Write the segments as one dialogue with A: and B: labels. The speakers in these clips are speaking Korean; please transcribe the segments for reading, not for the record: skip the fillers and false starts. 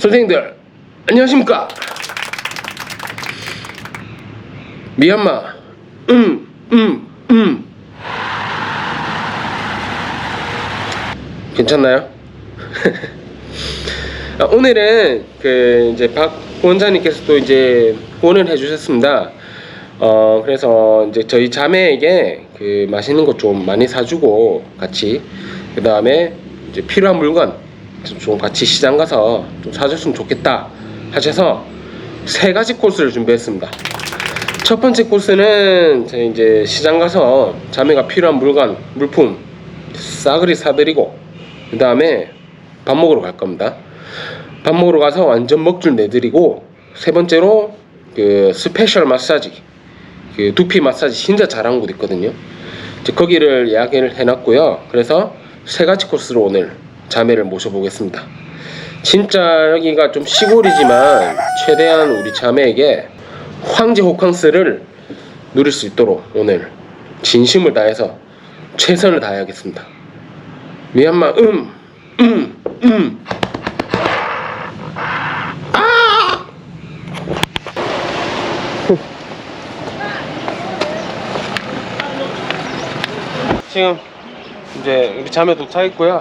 A: 선생님들 안녕하십니까. 미얀마 괜찮나요? 오늘은 이제 박 원장님께서 또 이제 후원을 해주셨습니다. 그래서 이제 저희 자매에게 맛있는 거 좀 많이 사주고 같이 그 다음에 이제 필요한 물건 좀 같이 시장 가서 좀 사줬으면 좋겠다 하셔서 세 가지 코스를 준비했습니다. 첫 번째 코스는 저희 이제 시장 가서 자매가 필요한 물품 싸그리 사드리고 그 다음에 밥 먹으러 갈 겁니다. 밥 먹으러 가서 완전 먹줄 내드리고 세 번째로 스페셜 마사지 두피 마사지 진짜 잘하는 곳 있거든요. 이제 거기를 예약을 해놨고요. 그래서 세 가지 코스로 오늘 자매를 모셔보겠습니다. 진짜 여기가 좀 시골이지만 최대한 우리 자매에게 황제 호캉스를 누릴 수 있도록 오늘 진심을 다해서 최선을 다해야겠습니다. 미얀마 지금 이제 우리 자매 도착했고요.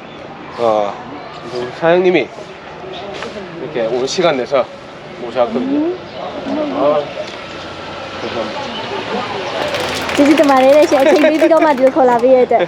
A: 우리 사장님이 이렇게 오늘 시간 내서 모셔왔거든요. 감사합니다.
B: ကျေးဇူးတင်ပါတယ်ရှင်အချိန်ပေးပြီးတော့မှဒီလိုခေါ်လာပေးရတဲ့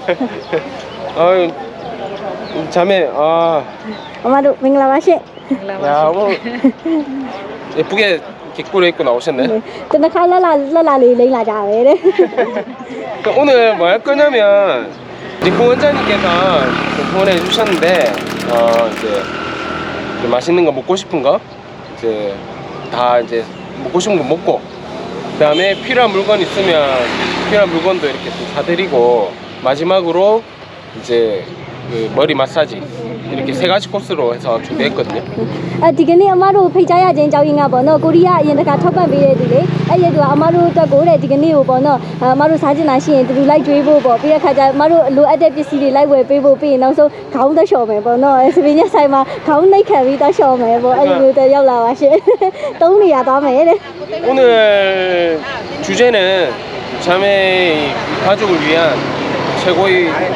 A: 자매
B: 엄마တို့မင်္ဂလာပါရှင်
A: 야, 뭐 예쁘게 이렇게 꾸려입고 나오셨네.
B: တနခါလက်လာလေးလိမ့်လာကြပဲတဲ့
A: 오늘 뭐 할 거냐면 이제 후원자님께서 후원해 주셨는데 이제 맛있는 거 먹고 싶은 거 이제 다 이제 먹고 싶은 거 먹고 그 다음에 필요한 물건 있으면 필요한 물건도 이렇게 좀 사드리고 마지막으로 이제 머리 마사지 이렇게 세 가지 코스로 해서 준비했거든요.
B: ဒီကနေ့အမတို့ဖိတ်ကြားရခြင်းကြောင်းရင်းကပေါ့နော်ကိုရီးယားအရင်တခါထောက်ပံ့ပေးတဲ့သူလေအဲ့ဒီကအမတို့အတွက်ကိုတဲ့ဒီကနေ့ကိုပေါ့နော်အမတို့စားချင်တာရှိရင်တူလိုက်ကျွေးဖို့ပေါ့ပြီးတဲ့ခါကျအမတို့လိုအပ်တဲ့ပစ္စည်းတွေလိုက်ဝယ်ပေးဖို့ပြီးရင်နောက်ဆုံးခေါင်းသက်လျှော်မယ်ပေါ့နော်စပင်းညက်ဆိုင်မှာခေါင်းနှိပ်ခံပြီးသက်လျှော်မယ်ပေါ့အဲ့ဒီမျိုးတက်ရောက်လာပါရှင်သုံးနေရသွားမယ်တဲ့
A: 오늘 주제는 자매 가족을 위한 최고의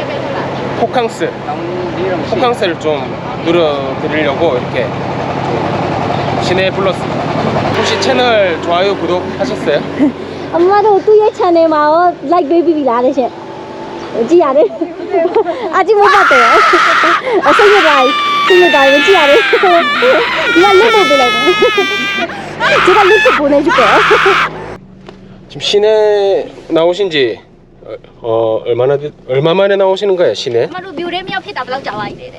A: 호캉스를 좀 누려드리려고 이렇게 시내에 불렀습니다. 혹시 채널 좋아요 구독하셨어요?
B: အမတို့သူ့ရဲ့ channel မှာရော like ပေးပြီးလားတဲ့ရှင်ကြည့်ရတယ်အကြည့်မပတ်တယ်အစိတ်ရတိုင်းကြည့်ရတယ်ဒီကလက်ပို့ပေးလိုက်တယ်제가 링크 보내줄게요.
A: 지금 시내 나오신 지 얼마 만에 나오시는 거예요, 시내?
B: မတို့မြို့ထဲမြောက်ဖြစ်တာဘယ်လောက်ကြာပါလဲတဲ့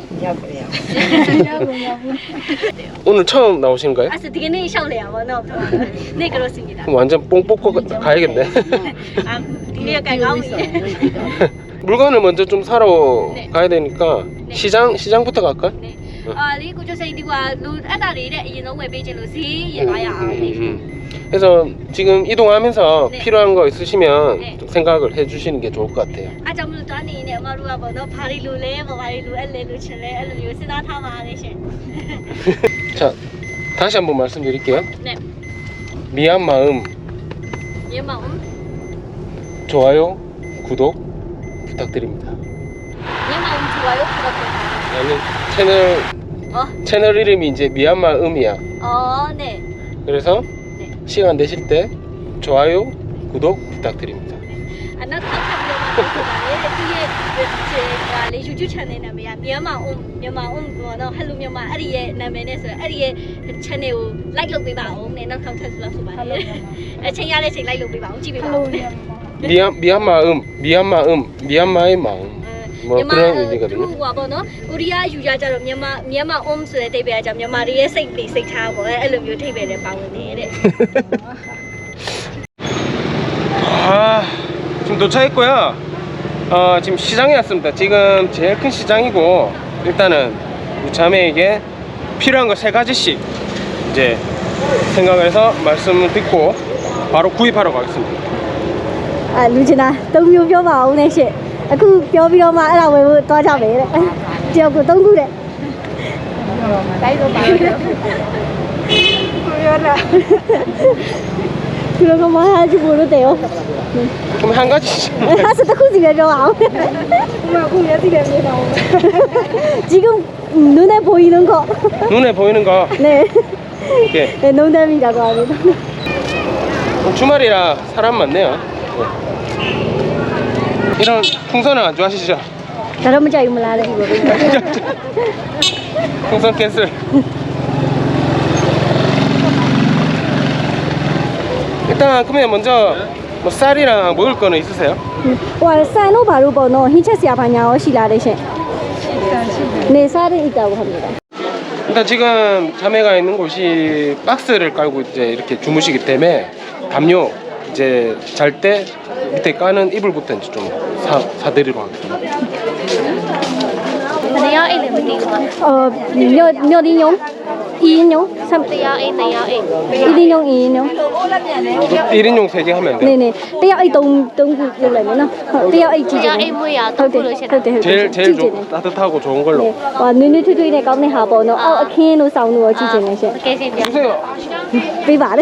A: 오늘 처음 나오시는 거예요?
B: 아, 되게는 샤올래요. 뭐, 네 그렇습니다.
A: 그럼 완전 뽕 뽑고 가야겠네.
B: 아, 되게 가까이
A: 물건을 먼저 좀 사러
B: 네.
A: 가야 되니까
B: 네.
A: 시장부터 갈까?
B: 네. 리고 저 새끼가 루 아다리래 이제 너무 베이징로 시 야야.
A: 그래서 지금 이동하면서
B: 네.
A: 필요한 거 있으시면
B: 네.
A: 좀 생각을 해주시는 게 좋을 것 같아요.
B: 아, 잠을 자니네. 마루가 뭐 너 바리루래, 뭐 바리루 엘레루 칠래, 엘레루 쓰나 타마게시.
A: 자, 다시 한번 말씀드릴게요.
B: 네.
A: 미얀마음
B: 예마음.
A: 좋아요, 구독 부탁드립니다.
B: 예마음 좋아요, 구독.
A: 나는 채널 이름이 이제 미얀마음이야.
B: 네.
A: 그래서
B: 네.
A: 시간 되실 때 좋아요, 구독 부탁드립니다.
B: 안나 타타비오마 뒤에 제 유튜브 채널 나면 미얀마음 뭐너 할로 미얀마 아리의 나면에서 아리의 채널 likeလုပ်ပေးပါဦးနဲ့နောက်ထောက်ထပ်ဆိုပါတယ်အချိန်ရတဲ့အချိန် like လုပ်ပေးပါဦးကြည့်ပေးပါဦး
A: 미얀마의 마음. 뭐 그런 의미거든요.
B: 뭐너 우리야 유자자로 미얀마 소의 대비하자 미얀마의စိတ်ထားပေါ့အဲ့လိုမျိုးထိပ်ပဲလဲပါဝင်နေတဲ့
A: 지금 도착했고요. 지금 시장에 왔습니다. 지금 제일 큰 시장이고 일단은 우리 자매에게 필요한 거 세 가지씩 이제 생각을 해서 말씀을 듣고 바로 구입하러 가겠습니다.
B: လူချင်တာ3မျိုးပြောပါဦးနဲ့ရှင့်အခုပြောပြီးတော့မှအဲ့ဒါဝယ်ဖို့သွားကြမယ်တဲ့တယောက်ကို3ခုတဲ့ 그런 거 하지 모르대요.
A: 그럼 한 가지.
B: 하스 떡국지가 좋아. 지금 눈에 보이는 거.
A: 눈에 보이는 거.
B: 네.
A: 예.
B: 네, 농담이라고 합니다.
A: 주말이라 사람 많네요. 예. 이런 풍선은 안 좋아하시죠?
B: 다른 문제 이거 몰라요.
A: 풍선 캔슬. 일단 그러면 먼저 뭐 쌀이랑 먹을 거는 있으세요?
B: 와, 쌀로 바로 번호 흰채씨야 바냐고 시라르신. 네, 쌀은 있다고 합니다.
A: 일단 지금 자매가 있는 곳이 박스를 깔고 이제 이렇게 주무시기 때문에 담요 이제 잘 때 밑에 까는 이불부터 이제 좀 사드리러 하겠습니다.
C: 내가 애를 못 뛰고
B: 몇 인용? 2인용? 3
C: 내가 애
B: 1인용, 2인용?
A: 1인용 3개 하면 돼요.
B: 네네. 떼야 이 동구 요래면은 떼야 이
C: 내가 애 뭐야 또 그러시나
A: 제일 좀 따뜻하고 좋은 걸로.
B: 네. 와, 눈이 트트이네 까네 하보노.အခင်းလို့စောင်းလို့ကြည့်ချင်နေရှင်
C: โอเคရှင်ပြ
A: 주세요.
B: ပေးပါလေ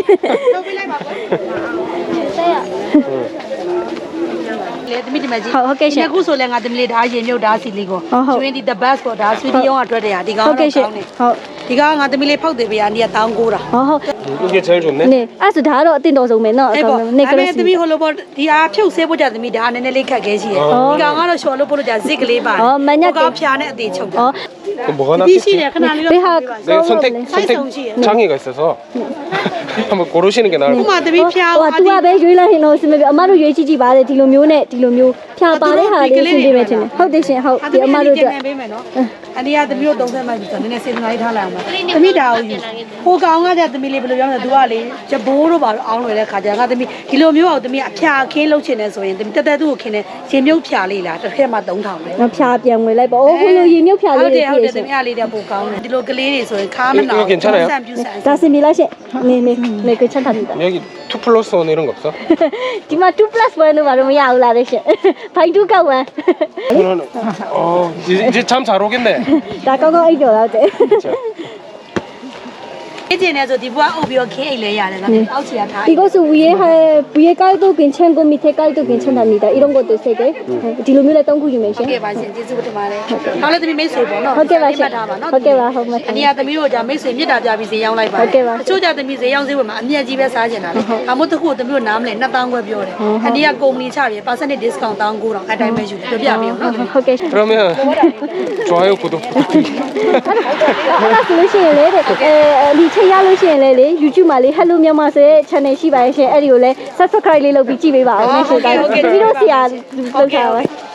D: လေသမီးဒီမှာကြီး
B: ဟုတ်ကဲ့ရှင်
D: ခုဆိုလဲငါသမီးလေးဒါရင်မြုပ်ဒါစီလီကို
B: ဟုတ်
D: ကျွင်းဒီ the best ပေါ့ဒါဆွီဒီယောင်းအတွက်တည်းဟာဒီကောင်
B: ဟုတ်ကဲ့ရှင်
D: ကောင်းတယ်
B: ဟုတ်
D: ဒီကောင်ကငါသမီးလေးဖောက်တယ်ဗျာနေတောင်းကိုတာ
B: ဟုတ်
A: 이게 제일 좋네.
B: နေအဲ့ဆိုဒါကတော့အတင်တော်ဆုံးပဲเนาะ
D: အဲ့ပေါ့
B: နေ
D: ဒါ
B: က
D: ပေ
B: လေး
D: မဲ့သမီးဟိုလိုပေါ့ဒီအားဖြုတ်ဆဲဖို့ကြသမီးဒါနည်းနည်းလေးခက်ခဲရှိတယ်
A: အော်
D: ဒီကောင်ကတော့ရှော်လို့ပို့လို့ကြဇစ်ကလေးပါ
B: အော်မညက်တယ်
D: ဟိုကောင်ဖျားနဲ့အသေးချုပ်တယ်
B: ဩ
A: 그럼 뭐가
D: ဒီရှိ
A: 낫겠지?
D: တယ်ခဏလေး
B: ဘေး
D: တော့
B: ဟာ
A: 네, 선택
D: 사이성시에.
A: 장애가 있어서 한번 고르시는 게 나을
D: ဥ
A: 것
D: မာ
A: 같아요.
D: သမီးဖျား
B: ဟိုက तू ကပဲရွေးလိုက်ရင်တော့စမပြေအမတို့ရွေးကြည့်ကြည့်ပါလေဒီလိုမျိုးနဲ့ဒီလိုမျိုးဖြာပါတဲ့ဟာလေးရှင်းပြမယ်ထင်တယ်ဟုတ်တယ်ရှင်ဟုတ်ဒီအမတို့အတွက်
D: ပေးမယ်နော်အနီးကသမီးတို့30မှတ်ပြီဆိုတော့နည်းနည်းစေတနာလေးထားလိုက်အောင်ပါသမီးဒါကိုယူဟိုကောင်ကကြသမီးလေးဘယ်လိုပြောမလဲ तू ကလေဂျဘိုးတို့ပါတော့အောင်းလွယ်တဲ့ခါကျငါသမီးဒီလိုမျိုးအောင်သမီးအဖျားခင်းလုပ်ချင်တယ်ဆိုရင်သမီးတက်တက်သူ့ကိုခင်းတယ်ရှင်မြုပ်ဖျားလေးလားတစ်ခက်မှ3000ပဲ
B: ငါဖြာပြန်ဝင်လိုက်ပါအိုးဟိုလိုရေမြုပ်ဖြာ
D: ဟု
B: လေး
D: တ်
B: တွေ
D: တယ်ဟုတ်
B: ပြ
D: တယ်
B: ည့်ရှင်
D: သမီးအားလေးတဲ့ပိုကောင်းတယ်ဒီလိုကလေးတွေဆိုရင်ခါမနာ
A: 이거 괜찮아요?
D: ဆန်ပြူဆန်
B: ဒါစင်ပြလိုက်ရှင်နေ괜찮답니다
A: 여기 2 플러스 1 이런 거 없어?
B: ဒီမှာ2 plus 1လို့ဘာလို့မရဘူးလားလေရှင်ဖိုင်2ကောက်1
A: 저는 이제 잠 잘 오겠네.
B: ဒါကောင်းကောင်းအိတ်တော်တော့တဲ့
A: 자,
D: အေးကျင်နေဆိုဒီဘွားအုပ်ပြီးတော့ခင်းအိတ်လဲရတယ်ငါအောက်ချီရထား
B: 이것은 위에 깔도 괜찮고 밑에 깔도 괜찮답니다. 이런 것도 세 개. 뒤로 밀어 똥구 주면
D: ဟုတ်ကဲ့ပါရှင်ကျေးဇူးတင်ပါတယ်နောက်လည်းသမီးမိတ်ဆွေပေါ့နော်
B: ဟုတ်ကဲ့ပါရှင်
D: ထားပါနော်
B: ဟုတ်ကဲ့ပါဟုတ်ပါ
D: အနီးကသမီးတို့じゃမိတ်ဆွေမြစ်တာပြပြီးဈေးရောက်လိုက်ပါ
B: ဟုတ်ကဲ့ပါ
D: အချို့ကြသမီးဈေးရောက်ဈေးဝယ်မှာအမြတ်ကြီးပဲစားကျင်တာလေအမို့တခုသမီးတို့နားမလဲ2000ခွဲပြောတယ်အနီးကကုမ္ပဏီချပြီး percentage discount 1900အတိုင်းပဲယူတယ်ပြောပြပေးအောင်နော်
B: ဟုတ်ကဲ့
A: 그러면 좋아요 구독 부탁드립니다.
B: အဲ့ဒါဆိုလို့ရှိရင်လေဒီချိန်ရလို့ရှိရင်လေ YouTube မှာလေ Hello မြန်မာဆိုတဲ့ channel ရှိပါရဲ့ရှင်အဲ့ဒီကိုလည်း subscribe လေးလုပ်ပြီးကြည့်ပေးပါအောင်ရှင်ဒါပြီးတော့ဆရာလုပ်ထားပါ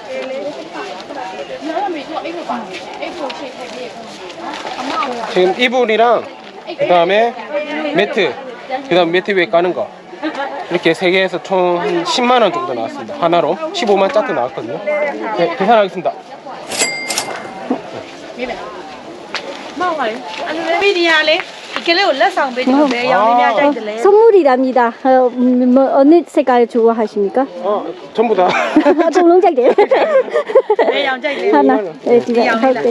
A: 지금 이불이랑 그다음에 매트, 그다음 매트 위에 까는 거 이렇게 세 개에서 총 한 10만 원 정도 나왔습니다. 하나로 15만 짜트 나왔거든요. 네, 계산하겠습니다.
D: မီဒီယာလေဒီကလေးကိုလက်ဆောင်ပေးကြည့်မယ်ရောင်လေးများကြိုက်တယ်လေ
B: 선물이랍니다. 어느 색깔 좋아하십니까?
A: 전부 다.
B: 동롱짝대.
D: ဘယ်ရောင်ကြိုက်လဲ
B: 하나. 네, 뒤에 할때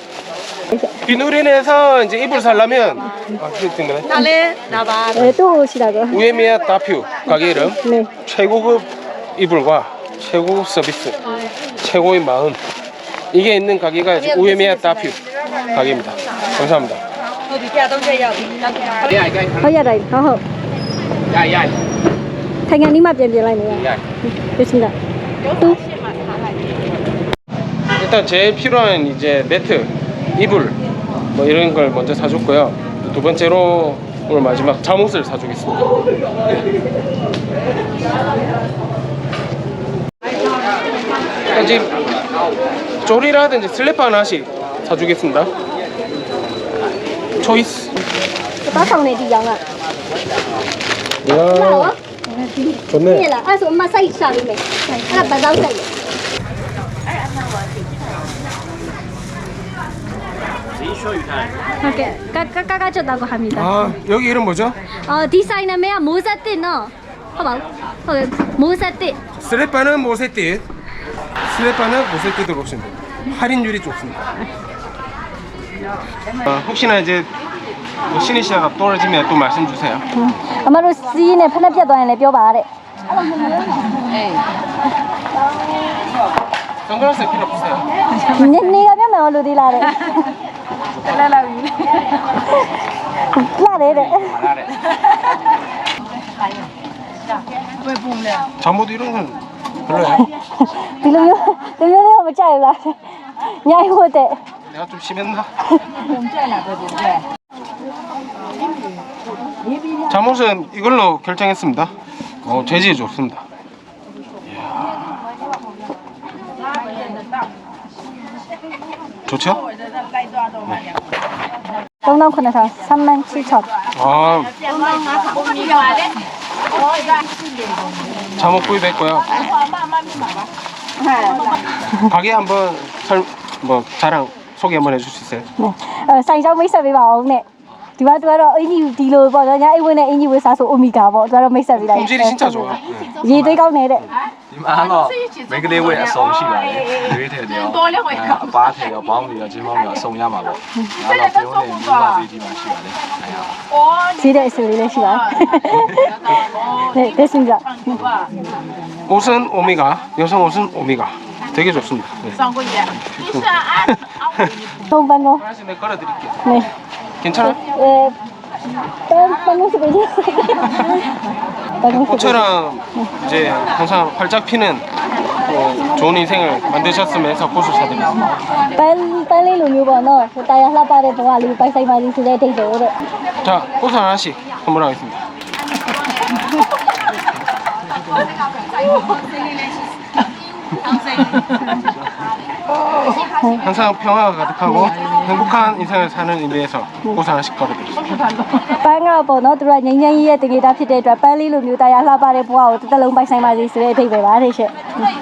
A: 비누린에서 이제 이불 살려면 그랬던가요?
D: ဒါလဲဒါပါ
B: 네, 또 오시라고.
A: 우에미야 다퓨 가게 이름
B: 네.
A: 최고급 이불과 최고급 서비스 최고의 마음 이게 있는 가게가 이제 우에미야 다퓨 가게입니다. 감사합니다.
D: ဟုတ်ပြီ130ရောက်ပြီတောက်ပါ
B: 허야라이. 허허.
A: 야야.
B: 당연히만 변변라이네요.
A: 야.
B: 좋습니다. 또
A: 일단 제일 필요한 이제 매트, 이불 뭐 이런 걸 먼저 사줬고요. 두 번째로 오늘 마지막 잠옷을 사주겠습니다. 지금 조리라든지 슬래퍼 하나씩 사주겠습니다. 초이스.
B: 빠상네 디양아.
A: 야, 좋네.
B: 对了，二十我们晒下里面，那白糟晒的。 오케이, 까까까졌다고 합니다.
A: 아, 여기 이름 뭐죠?
B: 디자인은 모자띠 너, 봐봐, 모자띠.
A: 슬래퍼는 모세띠. 슬래퍼는 모세띠 들어오시면 돼요. 할인율이 좋습니다. 혹시나 이제 뭐 신의 시야가 떨어지면 또 말씀 주세요.
B: အမတို့စီးနဲ့ဖက်နဲ့ပြတ်သွားရင်လည်းပြောပါတဲ့
A: 선글라스 필요 없으세요?
B: နေကပြတ်မယ်လို့သေးလားတဲ့လဲလာပြီလာတယ်တဲ့
A: 잠옷 이런 건 별로예요?
B: ဒီလိုမျိုးလေးမကြိုက်ဘူးလားညိုင်ဟုတ်တဲ့
A: 내가 좀 심했나? 잠옷은 이걸로 결정했습니다. 재질이 좋습니다. 좋죠?
B: 39,000 37,000
A: 아, 잠옷 구입했고요. 가게 한번 자랑 소개 한번 해줄 수 있어요?
B: 네ဆိုင်ကြောင်းမိတ်ဆက်ပေးပါအောင်တဲ့ဒီမှာသူကတော့အင်ကြီးဒီလိုပေါ့နော်ညာအိတ်ဝင်တဲ့အင်ကြီးဝယ်စားဆိုအိုမီဂါပေါ့သူကတော့မိတ်ဆက်ပေးလိုက်
A: 품질이 진짜 좋아.
B: ရေသွေးကောင်းနေတဲ့
E: ဒီမှာတော့မိန်းကလေးဝဲအစုံရှိပါတယ်ရွေးထည်တယ်ရောအပားထည်ရောဘောင်းတွေရောချင်းမောင်းတွေရောအစုံရမှာပေါ့ဒါတော့ပြုံးနေမိမသေးဒီမှာရှိပါတယ်အဲဟာ
B: ဈေးတဲ့အစီအလေးလည်းရှိပါတယ်네 됐습니다
A: 옷은 오미가, 여성 옷은 오미가. 되게 좋습니다. 네.
B: 동반고
A: 하나씩 내가 걸어드릴게요.
B: 네
A: 괜찮아요?
B: 방공수 보지
A: 꽃처럼 이제 항상 활짝 피는 좋은 인생을 만드셨으면 해서 꽃을 사드리겠습니다.
B: ပန်းလေးလိုမျိုးပေါ့နော်ဟိုတာယာလှပတဲ့ဘဝလေးပိုက်ဆိုင်ပါလိဆိုတဲ့အထိတ်တော့တဲ့
A: 자, 꽃을 하나씩 선물하겠습니다. 항상 평화가 가득하고 행복한 인생을 사는 의미에서 꽃 하나씩 걸어드리겠습니다.
B: ပန်းကပေါ့နော်သူကငိမ့်ငိမ့်ရဲ့တကယ်တာဖြစ်တဲ့အတွက်ပန်းလေးလိုမျိုးတာယာလှပတဲ့ဘဝကိုတစ်သက်လုံးပိုက်ဆိုင်ပါလိဆိုတဲ့အထိတ်ပဲပါတဲ့ရှင့်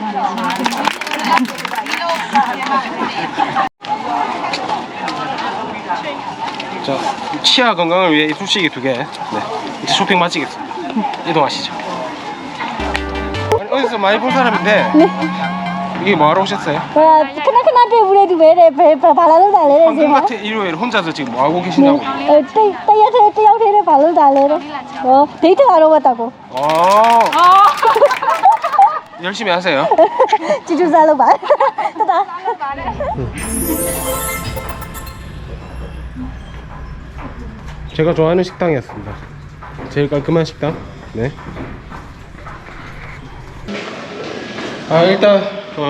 A: 자, 치아 건강을 위해 이쑤시개 2개. 네, 이제 쇼핑 마치겠습니다. 이동하시죠. 아니, 어디서 많이 본 사람인데 이게 뭐하러 오셨어요?
B: ဟိုခဏတွေ့ဘူးလေသူပဲတဲ့ဘာလာလို့တာလဲတဲ့ဈေးမှာ
A: 황금같은 일요일 혼자서 지금 뭐하고 계시냐고.
B: တယောက်တည်းဘာလို့တာလဲတဲ့ဟောဒိတ်တာတော့왔다고
A: 열심히 하세요.
B: ကျူးစားလို့ပါတတာ
A: 제가 좋아하는 식당이었습니다. 제일 깔끔한 식당. 네. 아 일단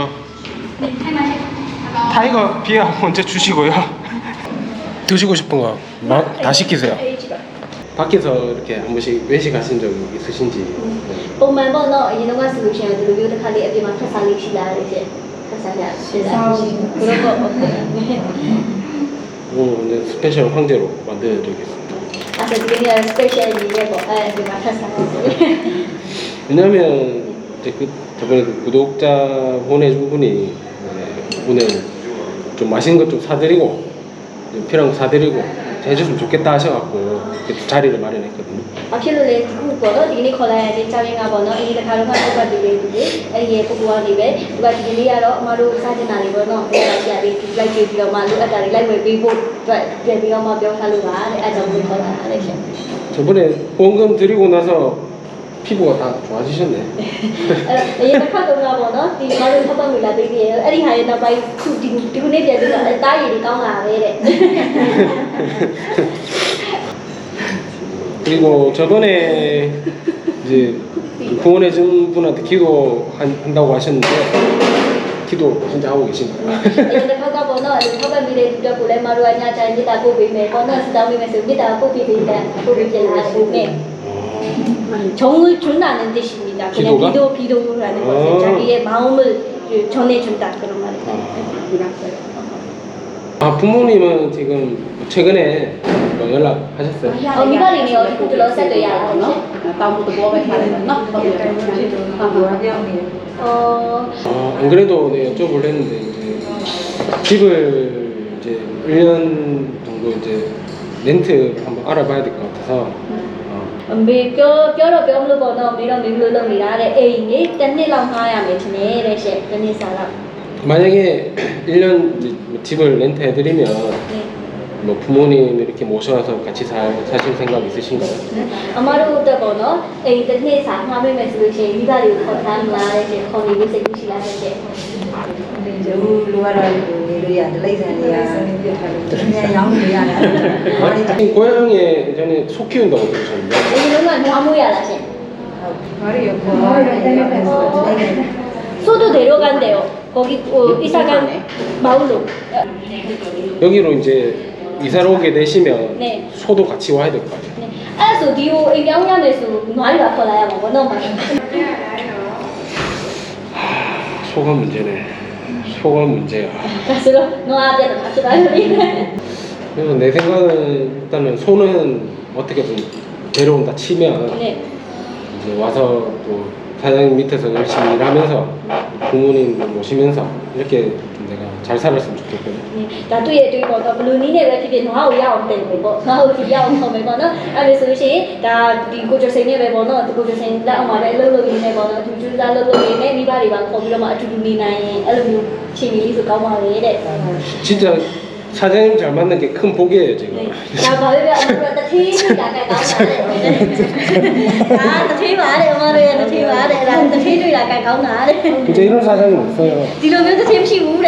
A: 타이거 비어 먼저 주시고요. 드시고 싶은 거 다 시키세요. 밖에서 이렇게 한 번씩 외식하신 적 있으신지. 네.
B: ပုံမှန်ပေါ့နော်အရင်တော့ဆိုလို့ရှိရင်ဒီလိုမျိုးတစ်ခါလေးအပြင်မှာဖက်စားလေးရှိလာတယ်ရှင်ဖက်စားရရှိလာတယ်ဘယ်တော့ပေါ့
A: 오늘 오늘 스페셜 황제로 만들어드리겠습니다.
B: 아, 그게 스페셜 이게 뭐, 아, 그 맞췄어.
A: 왜냐면 이제 저번에 구독자 보내준 분이 오늘 좀 맛있는 것 좀 사드리고 필요한 거 사드리고 해줬으면 좋겠다 하셔갖고 자리를 마련했거든요.
B: 아, 필요해. 그 거는 이게 콜라야 돼. 자기가 뭐는 이게 다른 거 갖다 드리는데 이게 보고하니 왜 누가 이리야로 마루 사진 아니 뭐는 내가 이야기 like 비로 마루 아다리 like 비보 비로 마 벼살로 가. 아저분 콜라 알았어.
A: 저번에 보험금 드리고 나서 피부가 다 좋아지셨네.
B: 얘가 카드가 뭐는 이 마루 사방 밀라 되게 아리 하에 나 바이 디군에 비해서 따이리 까나 왜
A: 그리고 저번에 이제 후원해준 분한테 기도한다고 하셨는데 기도 진짜 하고 계신가요?
B: 얘가 카가 뭐는 카가 미래 두자 고래 마루 아니야 자기 다 보고 있네 뭐는 스타미 메시지 다 보고 있다 보고 있네 정을 준다는 뜻입니다. 그냥 기도라는 것은 자기의 마음을 전해준다 그런 말이에요.
A: 아 부모님은 지금 최근에 뭐 연락하셨어요?
B: 미발이네 어디 들어서도 야.
A: 안 그래도 네, 여쭤보려 했는데 이제 집을 이제 1년 정도 이제 렌트 한번 알아봐야 될 것 같아서.
B: ပြောမလို့ပေါ့နော်ပြီးတော့မိလို့လုပ်နေတာတဲ့အိမ်ကြီးတစ်နှစ်လောက်ငှားရမယ်ထင်တယ်တဲ့ရှင့်တစ်နှစ်စာလောက်
A: 만약에 1년 이제 집을 렌트 해드리면 뭐 부모님 이렇게 모셔와서 같이 사실 생각 있으신가요?
B: အမတို့အတွက်ပေါ့နော်အိမ်တစ်နေ့စာမှားမိမယ်ဆိုလို့ရှိရင်မိဘတွေကိုခေါ်ထားမှာတဲ့ရှင်ခေါ်နေပြီးစိတ်ကူးရှိလာတဲ့ရှင်
F: လူကတော့နေလို့ရဒလိမ့်ဆန်တွေကသူများရောင်းနေရတယ်
A: 고향에 예전에 소 키운다고 들으셨는데
B: ဒီလိုကနွားမိုးရလားရှင်
F: ဘာလို့ရောဘာလို့
B: 소도 내려간대요. 거기 이사간 마을로.
A: 여기로 이제 이사를 오게 되시면
B: 네.
A: 소도 같이 와야 될 거 아니에요?
B: 네. 알았어. 디오 이병년에서 누아리가 걸어야 뭐 너무
A: 소가 문제네. 소가 문제야.
B: 가스로 누아한테도 같이 가요.
A: 그래서 내 생각은 일단은 소는 어떻게든 데려온다 치면
B: 네.
A: 이제 와서 또 사장님 밑에서 열심히 일하면서 부모님 모시면서 이렇게 좀 내가 잘 살았으면 좋겠거든.
B: 다တွေ့ရတွေ့ပေါ့တော့ဘလူနီးနဲ့ပဲဖြစ်ဖြစ်နွားကိုရအောင်တင်မယ်ပေါ့နွားကိုဒီရအောင်ဆောင်မယ်ပေါ့နော်အဲ့ဒါဆိုလို့ရှိရင်ဒါဒီကိုကျော်စိန်နဲ့ပဲပေါ့နော်ဒီကိုကျော်စိန်လက်အောင်မှာပဲအလုပ်လုပ်ရင်းနဲ့ပေါ့နော်သူကျူးစားလုပ်ရင်းနဲ့မိဘတွေပါခေါ်ပြီးတော့မှအတူတူနေနိုင်ရင်အဲ့လိုမျိုးချိန်ကြီးဆိုကောင်းပါလေတဲ့
A: 진짜 사장님 잘 만난 게 큰 복이에요 지금.
B: 나 봐요. 아무래도 테이블 약간 가운데. 아, 테이블 안에 엄마를 테이블 안에 나 테이블 약간 가운데.
A: 진짜 이런 사장님 없어요.
B: 뒤로면서 테이블 쉬우래.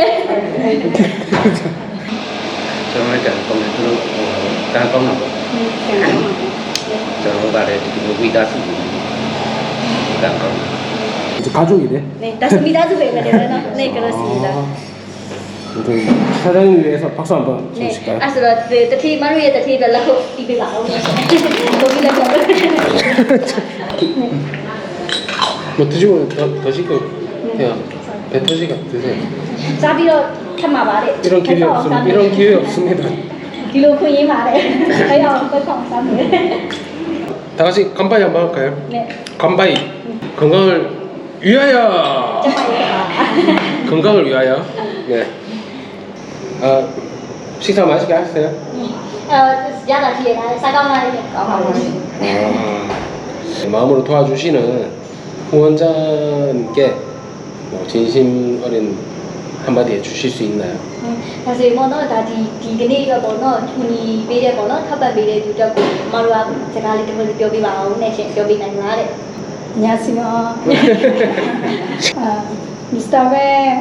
G: 정말 잘 công nhận nó đang công nào cho nó vào đây thì nó quy đa số càng công
A: 이제 가족이 돼.
B: 네, 다시 미다도 배면 되나? 네, 그렇습니다.
A: 아무튼 사장님 위해서 박수 한번
B: 네,
A: 쳐주실까요?
B: 아스라 테이블 마루에 테이블 라고 입에 나오네. 거기다 좀.
A: 뭐 드시고 더 시고 해요. 배 터지가 드세요.
B: 사비로 참아 말해.
A: 이런 기회 없습니다.
B: 뒤로 kun이 말해. 아야, 그거 감사해.
A: 다 같이 간바이 한번 할까요?
B: 네.
A: 간바이. 건강을 위하여.
B: 정말
A: 건강을 위하여. 네. 아 식사 맛있게 하셨어요?
B: 야다 뒤에 나 사과만
A: 마음으로 도와주시는 후원자님께 뭐 진심 어린 한마디 해주실 수 있나요?
B: 사실 뭐는 다 디그네가 뭐는 돈이 베레 뭐는 타반 베레 두적 마루아 제가 리 때문에 뼈비 마오네 뼈비 나이마레 안녕하세요. 미스터 배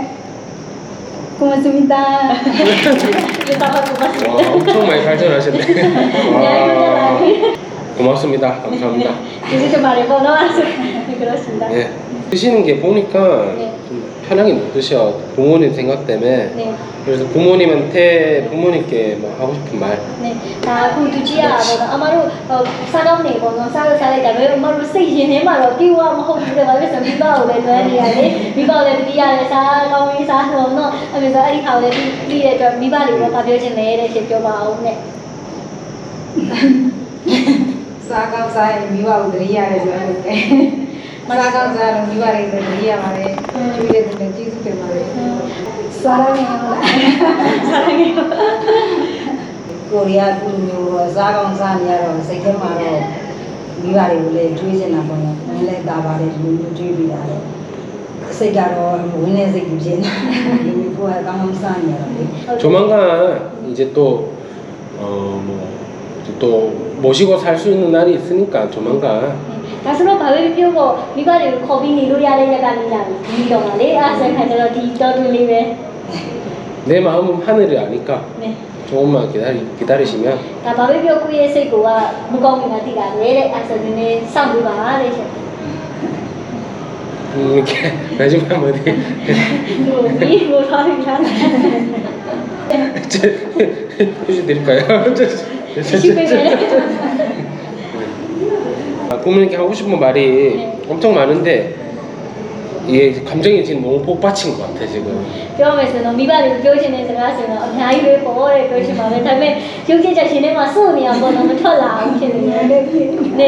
B: 고맙습니다.
A: 와, 엄청 많이 발전하셨네. 와, 고맙습니다. 감사합니다.
B: 이제 좀 말해봐. 그렇습니다.
A: 네. 드시는 게 보니까
B: 네.
A: 좀 편하게 못 드셔. 부모님 생각 때문에.
B: 네.
A: 그래서 부모님께 뭐 하고 싶은 말.
B: 네. 다 구두지야. 아마로 사감네 번호 사가사가 왜 아마로 세이네 말로 끼와 뭐 그래 말해서 미바오래 너야래 미바오래 디야래 사가위 사노노 하면서 아리 하오래 디에 저 미바리로 가벼진 내래 제껴 봐오네.
F: စားကောင်းစားရင်မိဘကိုတရိရတယ်ဆိုတော့စားကောင်းစားလို့မိဘတွေတရိရပါတယ်ကျွေးတဲ့သူတွေကျေးဇူးတင်ပါတယ်
B: 사랑해요. 사랑해요.
F: ကိုရီးယားလူမျိုးတော့စားကောင်းစားနေရတော့စိတ်ထဲမှာတော့မိဘတွေကိုလည်းကျွေးနေတာပေါ့နော်။နည်းလည်းတာပါတယ်လူမျိုးကျွေးပြီးတာလေ။စိတ်ကတော့ဝင်းနေစိတ်ကြီးဖြစ်နေတာ။လူမျိုးကကောင်းကောင်းစားနေရတော့လေ။
A: 조만간 이제 또 모시고 살 수 있는 날이 있으니까 조만간.
B: 가스로 밥을 피우고 미바리를 겁이 니로야래 야간이냐 미동아래 아세카저로 디더들리베.
A: 내 마음은 하늘이 아니까
B: 네.
A: 조금만 기다리시면
B: 다 밥을 피우고 예세고와 무거움이나 디가 내래 아서는 상부가 아래셔.
A: 이렇게 마지막 어디
B: 뭐 사람이란.
A: 휴지 드릴까요? 부모님께 하고 싶은 말이 엄청 많은데 이게 감정이 지금 너무 복받친 것 같아 지금.
B: ပြောမယ်ဆိုတော့မိဘတွေပြောချင်တဲ့စကားဆိုတော့အများကြီးပဲပေါ့တဲ့ပြောချင်ပါပဲဒါပေမဲ့ရုပ်ကြည့်ချက်ရှင်ထဲမှာစိုးနေရပေါ့နော်မထွက်လာဘူးဖြစ်နေတယ်နေ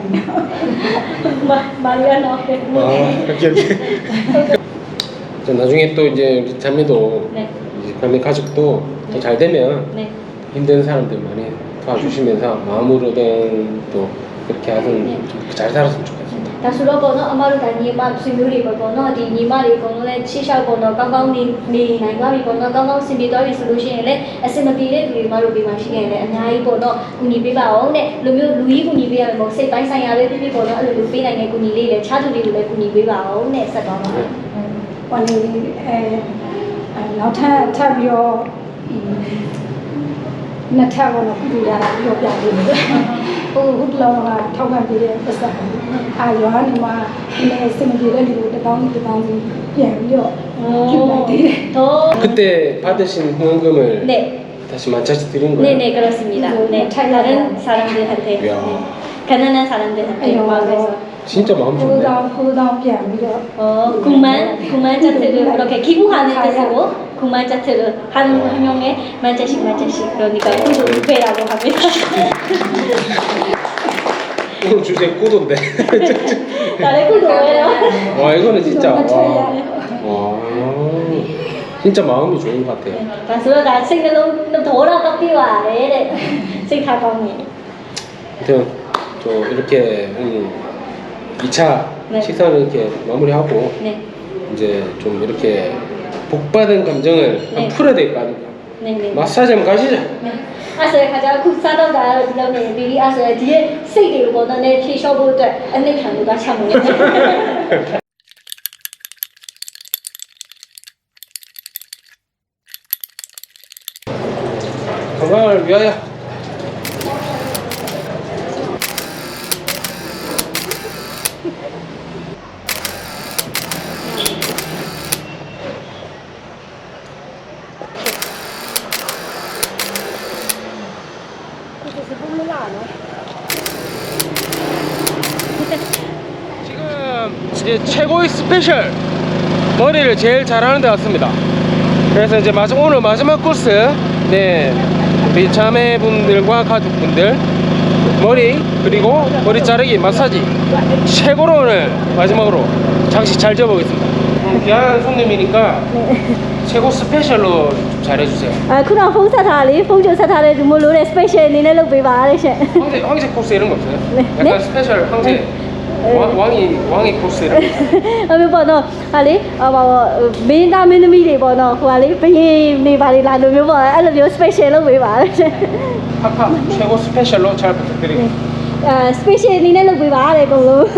B: မာရီယာနော်
A: 이렇게. 자, 나중에 또 이제 우리 자매도
B: 네.
A: 이제 자매 가족도 더 잘 되면
B: 네.
A: 힘든 사람들 많이 도와주시면서 마음으로든 또 그렇게 하든
B: 네.
A: 좀 잘 살았으면 좋겠습니다.
B: ဒါဆိုတော့ပေါ့နော်အမတို့ကညီမဆွေမျိုးတွေပေါ့နော်ဒီညီမတွေအကုန်လုံးလည်းချစ်ရှောက်ပေါ့နော်ကောင်းကောင်းနေနိုင်သွားပြီပေါ့နော်ကောင်းကောင်းဆင်ပြေသွားပြီဆိုလို့ရှိရင်လည်းအစင်မပြေတဲ့လူတွေမတို့ဒီမှာရှိနေတယ်အများကြီးပေါ့နော်ကူညီပေးပါအောင်တဲ့လူမျိုးလူကြီးကူညီပေးရမယ်ပေါ့စိတ်ပိုင်းဆိုင်ရာပဲဖြစ်ဖြစ်ပေါ့နော်အဲ့လိုပေးနိုင်တဲ့ကူညီလေးလည်းခြားသူတွေကိုလည်းကူညီပေးပါအောင်တဲ့ဆက်သွားပါမယ်
F: ဟိုနေနောက်ထပ်ပြီးတော့နှစ်ထပ်ကတော့ကုရတာပြောပြပေးတယ်ဟိုဟုတ်လောကထောက်ခံပေးတဲ့ပတ်စံအာရွာနေမှာလည်းစင်ပြေတဲ့လူတွေတောင်းပြန်ပြီးတော့ပြုလိုက်တယ်
B: 더
A: 그때 받으신 후원금을
B: 네.
A: 다시 맞춰서 드린 거예요?
B: 네네 그렇습니다. 네 다른 사람들한테
A: 이야.
B: 가난한 사람들한테 마음에서
A: 진짜 마음 좋네.
F: 9,000ပြန်ပြီးတော့
B: 9만 자트를 이렇게 기부하는 뜻으로 9만 자트를 한 명에 만자씩 그러니까 구두배라고 합니다.
A: 오늘 주제 구도인데.
B: 나의 구두예요.
A: 와 이거는 진짜 와 진짜 마음이 좋은 것 같아요.
B: 그래서 나 생각은 좀 돌아가 비와야 생각하고
A: 아무튼 저 이렇게 2차
B: 네.
A: 식사를 이렇게 마무리하고
B: 네.
A: 이제 좀 이렇게 복받은 감정을
B: 네.
A: 한번 풀어야 될 거 아닙니까?
B: 네네.
A: 마사지 한번 가시죠.
B: 네. 아서야 가자 국사도 가요 지금은 미리 아서야 뒤에 세계로 보는 내 티셔츠도 안내 강도가 참여해.
A: 건강을 위하여. 지금 이제 최고의 스페셜 머리를 제일 잘하는 데 왔습니다. 그래서 이제 오늘 마지막 코스, 네, 우리 자매분들과 가족분들 머리 그리고 머리 자르기 마사지 최고로 오늘 마지막으로 장식 잘 지어보겠습니다. 귀한 손님이니까 최고 스페셜로 좀 잘해주세요.
B: 아, 그럼 폰조 사타를 모르는 스페셜 니네로 비바르셔.
A: 황제 코스 이런 거 없어요?
B: 네.
A: 약간
B: 네?
A: 스페셜 황제 왕이 코스 이런 거.
B: 아니 뭐너 아니 민다 민미리 뭐너 아니 비인 네바리 라도 뭐 알로 스페셜로 비바르셔.
A: 팍팍 최고 스페셜로 잘 부탁드립니다.
B: 아, 스페셜 니네로 비바르 공로.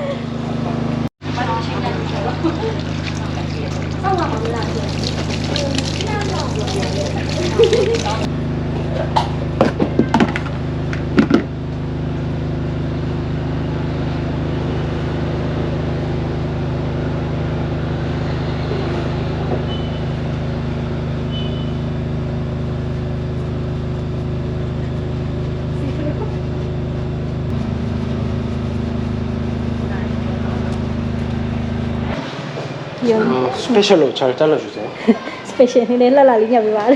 A: 스페셜로 잘 잘라주세요.
B: 스페셜 니네 라라리냐 비바르.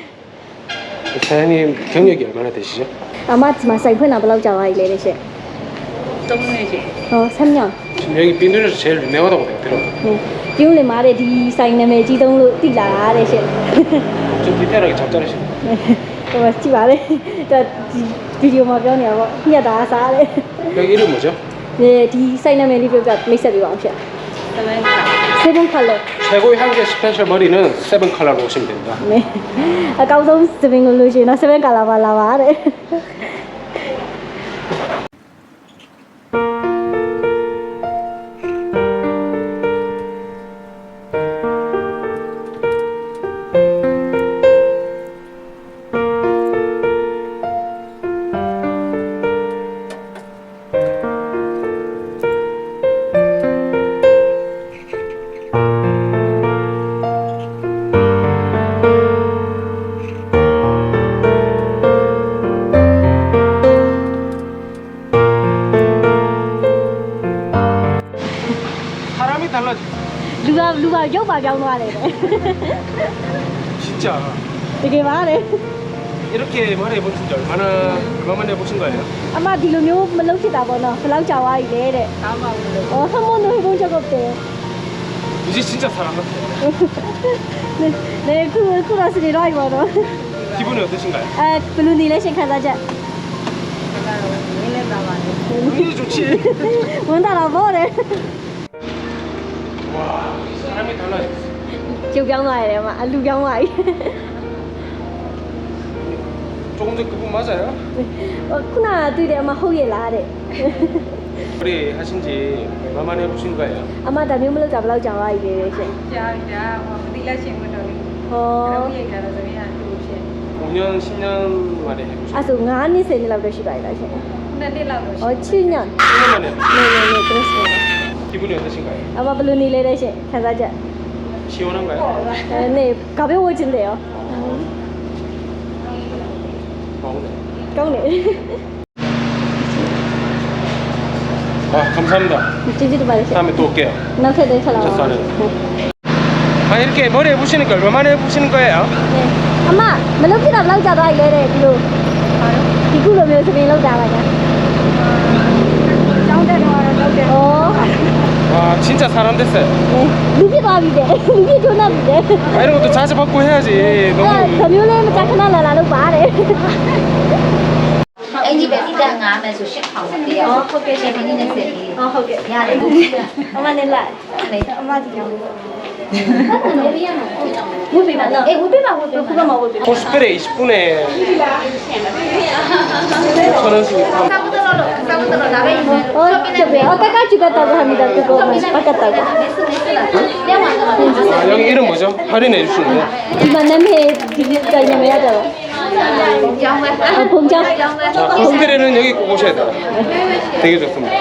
A: 사장님 경력이 얼마나 되시죠?
B: 아마 사이프나 블라우 자와이래 레셔. 3년.
A: 지금 여기 빈들에서 제일 유명하다고 내가 들었거든요.
B: 네. 비올레 말에 디 사인 나메 지동로 띠라 레셔.
A: 좀 디테일하게 잘 자르시네.
B: 네. 그거 찍 말해. 저 비디오 뭐ပြောနေ 봐. 그냥 다 사래.
A: 여기 이름 뭐죠?
B: 네, 디 사인 나메 리뷰 가 미스 비와 없어. 세븐 컬러.
A: 최고의 한개 스페셜 머리는 세븐 컬러로 오시면 됩니다.
B: 네. 아까우선 세븐 걸로 시나 세븐 컬러 발라바래.
A: 사람이 달라져.
B: 누가 욕 봐병 와래.
A: 진짜
B: 되게 말해.
A: 이렇게 머리 해보신 지 얼마 만에 해보신 거예요?
B: 아마 디로묘 말로 치다 보나. 블라우 자와이래 래. 한 번도 해본 적 없대요.
A: 이제 진짜 사람 같아요.
B: 네, 쿠라스리 라이 보나.
A: 기분이 어떠신가요?
B: 아, 블루니 레신 가자자.
A: 당연히 좋지.
B: 원다라 뭐래?
A: 와, 사람이 달라졌어.
B: 지금 병와야 막 알루 병와이.
A: 조금 전 그분 맞아요?
B: 쿠나တွေ့တယ်အမဟုတ်ရဲ့လားတဲ့
A: 머리 하신 지 얼마 만에 해보신 거예요?
B: အမဒါမျိုးမလုပ်တာဘယ်လောက်ကြာသွားပြီလဲရှင်
H: ကြာပြီဒါဟိုသီလရှင်ဝင်တော်လေး
B: ဟော
H: တော့ရိတ်တာတော့သမီးကသူ့ဖြစ်
A: 5년, 10년 만에 해보신
B: အဲ့ဆို9နှစ်10နှစ်လောက်တော့ရှိပါပြီလားရှင်
H: နှစ်နှစ်လောက်တော့
B: ဟောချင်းည
A: 10년 만에
B: နေကရစ်စမတ်
A: 기분이 어떠신가요?
B: အမဘယ်လိုနေလဲတဲ့ရှင်ခံစားချက်
A: 시원한가요?
B: နေကဘေးဝချင်းတယ်ရော
A: 좋네.
B: ကောင်းတယ်
A: 아, 감사합니다.
B: ကျေးဇူးတင်ပါတယ်ရှင်
A: 다음에 또 올게요.
B: နောက်ထပ်တစ်ချက်လောက်
A: 젖살은. 아, 이렇게 머리 해보시는 걸 얼마 만에 해보시는 거예요?
B: အမမလုပ်ဖြစ်တာဘယ်လောက်ကြာသွားပြီလဲတဲ့ဒီလိုဒီခုလိုမျိုးသမီးလောက်တာပါညာ
H: ကျောင်းတက်တော့တော့တယ်
B: ဩ
A: 와, 진짜 사람 됐어요.
B: လူဖြစ်သွားပြီတဲ့လူဖြစ်ထွန်းတော့ပြီတဲ့
A: 아, 이런 것도 자주 받고 해야지.
B: အဲ့
A: 너무.
B: ဒါမျိုးလေးမကြခဏလာလာလို့ပါတယ်
C: အဲ့ဒီပဲတိတငါမယ်ဆို8000တရားဟုတ်ကဲ့ရှင်ခင်းနေစက်ကြီး
B: ဟုတ်ကဲ့
C: ရတယ်
B: အမနဲ့လိုက်
H: အမဒီကောင်
B: ဝတ်ပေးပါနော်
C: အေးဝတ်ပေးပါဝတ်ပေး
B: ခု
C: ပါ
B: ကမှဝတ်ပေးပါ
A: 코스프레 20분에 5,000원씩.
C: စာမတော်လို့စာမတော်ဒါပဲ
B: ဟောချက်ပဲအတက်ကချူကတော့ဟာမိတာတူကိုပကတ်တော့
C: လဲဝါတော့
A: 아, 여기 이름 뭐죠? 할인해 주시는 거예요?
B: ဒီမှာနာမည်ဒီတိုင်နေမရတော့
C: ကျောင်းပဲ
B: ဘုံချောင်း
C: ကျောင်းပဲ
A: 자, 코스프레는 여기 꼭 오셔야 돼요. 되게 좋습니다.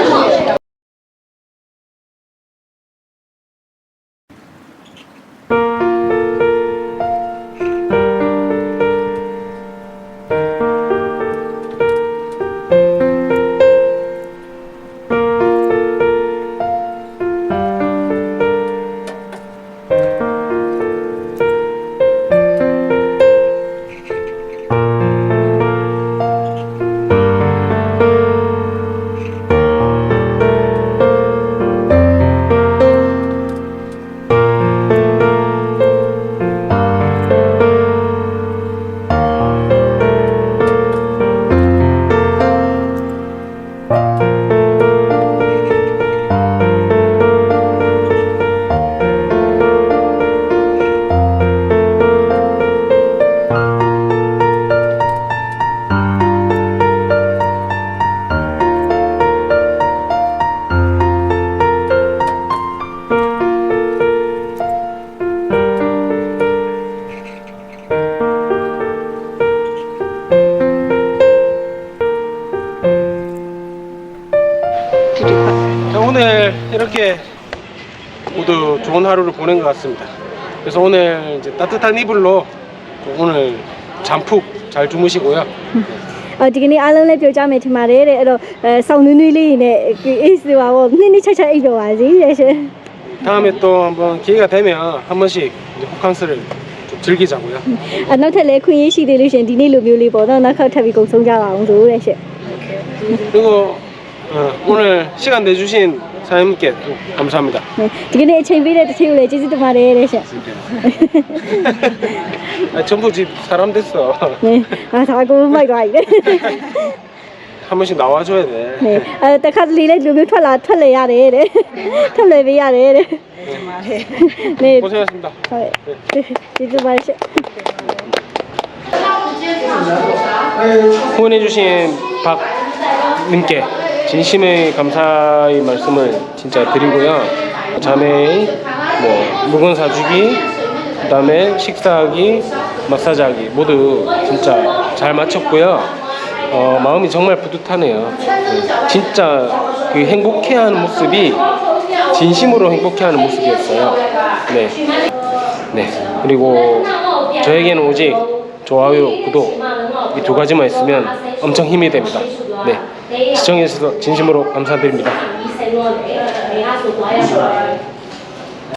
A: 자, 오늘 이렇게 모두 좋은 하루를 보낸 것 같습니다. 그래서 오늘 이제 따뜻한 이불로 오늘 잠 푹 잘 주무시고요.
B: ဒီကနေ့အားလုံးလည်းပြောကြမယ်ထင်ပါတယ်တဲ့အဲ့တော့ဆောင်းနွေးနွေးလေးနဲ့အေးစီပါဘောနှစ်နှစ်ချက်ချက်အိပ်တော့ပါစေတဲ့ရှင်
A: 다음에 또 한번 기회가 되면 한 번씩 이제 호캉스를 좀 즐기자고요.
B: နောက်ထပ်လည်းခွင့်ရရှိသေးလို့ရှင်ဒီနေ့လိုမျိုးလေးပေါ့နော်နောက်ခါထပ်ပြီးကုံဆုံးကြပါအောင်ဆိုတဲ့ရှင်
A: 그리고 오늘 시간 내주신 사장님께 또 감사합니다.
B: ဒီကနေ့အချိန်ပေးတဲ့တစ်ချိန်ကိုလည်းကျေးဇူးတင်ပါတယ်တဲ့ရှင်
A: 아, 전부 집 사람 됐어.
B: အာဒါကိုမိုက်သွားပြီတဲ့
A: 한 번씩 나와줘야 돼.
B: တခါတလေလည်းဒီလိုမျိုးထွက်လေရတယ်တဲ့ထွက်လေပေးရတယ်တဲ့နေ
A: 고생하셨습니다.
B: ဟုတ်ကျေးဇူးပါရှင်
A: 후원해주신 박님께 진심의 감사의 말씀을 진짜 드리고요. 자매의 뭐 물건 사주기, 그다음에 식사하기, 마사지하기 모두 진짜 잘 마쳤고요. 마음이 정말 뿌듯하네요. 진짜 그 행복해하는 모습이 진심으로 행복해하는 모습이었어요. 네. 네. 그리고 저에게는 오직 좋아요, 구독 이 두 가지만 있으면 엄청 힘이 됩니다. 네. 시청해주셔서 진심으로 감사드립니다.